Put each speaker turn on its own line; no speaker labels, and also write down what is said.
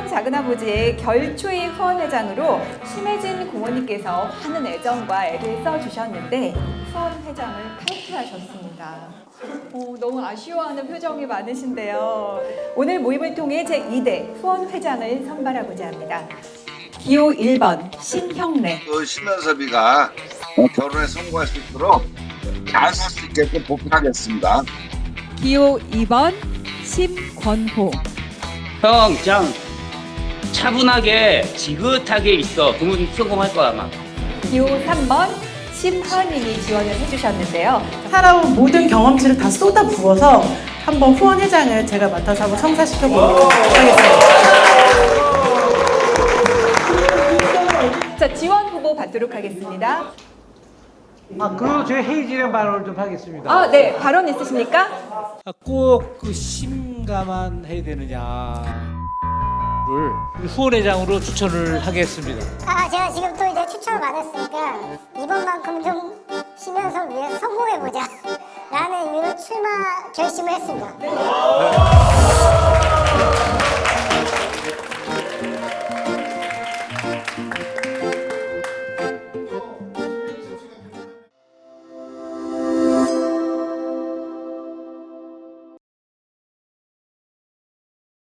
신형 작은아버지의 결초의 후원회장으로 심혜진 고모님께서 많은 애정과 애를 써주셨는데 후원회장을 탈퇴하셨습니다. 너무 아쉬워하는 표정이 많으신데요. 오늘 모임을 통해 제2대 후원회장을 선발하고자 합니다. 기호 1번 신형래.
신면섭이가 결혼에 성공할 수 있도록 잘 살 수 있게끔 보필하겠습니다.
기호 2번 심권호.
형, 그냥 차분하게 지긋하게 있어. 그러면 성공할 거야 아마.
기호 3번 심하님이 지원을 해주셨는데요.
살아온 모든 경험치를 다 쏟아 부어서 한번 후원회장을 제가 맡아서 한번 성사시켜 보도록 하겠습니다.
자, 지원 후보 받도록 하겠습니다.
그리고 제가 회의 진행 발언을 좀 하겠습니다.
아, 네. 발언 있으십니까?
꼭 그 심가만 해야 되느냐를 후원회장으로 추천을 하겠습니다.
제가 지금 또 이제 추천을 받았으니까 이번만큼 좀 심연섭 위해서 성공해보자 라는 의미로 출마 결심을 했습니다.